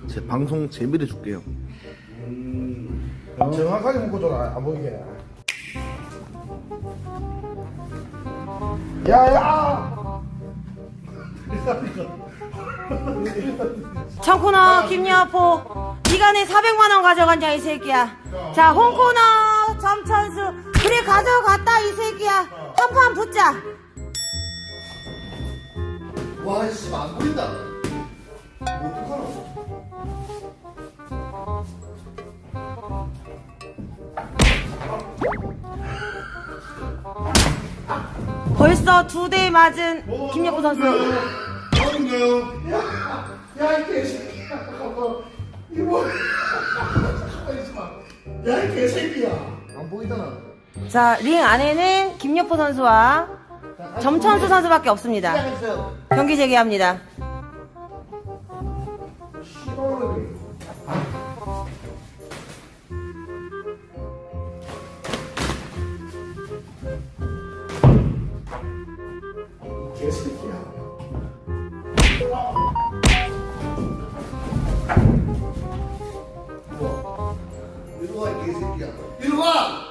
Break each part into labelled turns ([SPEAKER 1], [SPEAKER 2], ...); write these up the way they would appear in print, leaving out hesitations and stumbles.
[SPEAKER 1] 제 방송 재미를 줄게요.
[SPEAKER 2] 정확하게 묶어줘라. 안 보이게. 야야.
[SPEAKER 3] 청코너 김여포 네가 내 400만원 가져갔냐 이 새끼야. 자 홍코너 점천수 그래 가져갔다 이 새끼야. 한판 붙자.
[SPEAKER 2] 와, 씨, 안 보인다. 어떡하나?
[SPEAKER 3] 벌써 2대 맞은 김여포 선수.
[SPEAKER 2] 어딘가요? 야, 이 개새끼야. 이거. 가만히 있어 봐. 야, 이 개새끼야. 안 보이잖아.
[SPEAKER 3] 자 링 안에는 김여포 선수와 점천수 선수밖에 없습니다.
[SPEAKER 2] 시작했어요.
[SPEAKER 3] 경기 재개합니다.
[SPEAKER 2] 개새끼야. 이리 와, 이 개새끼야. 이리 와!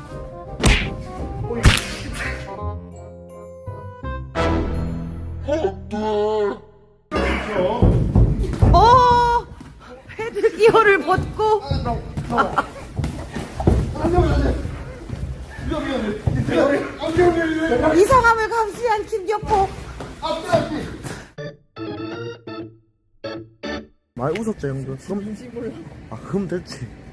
[SPEAKER 3] 오 헤드 기어를 벗고 이상함을 감시한 김여포.
[SPEAKER 1] 많이 웃었죠 형들? 그럼 됐지.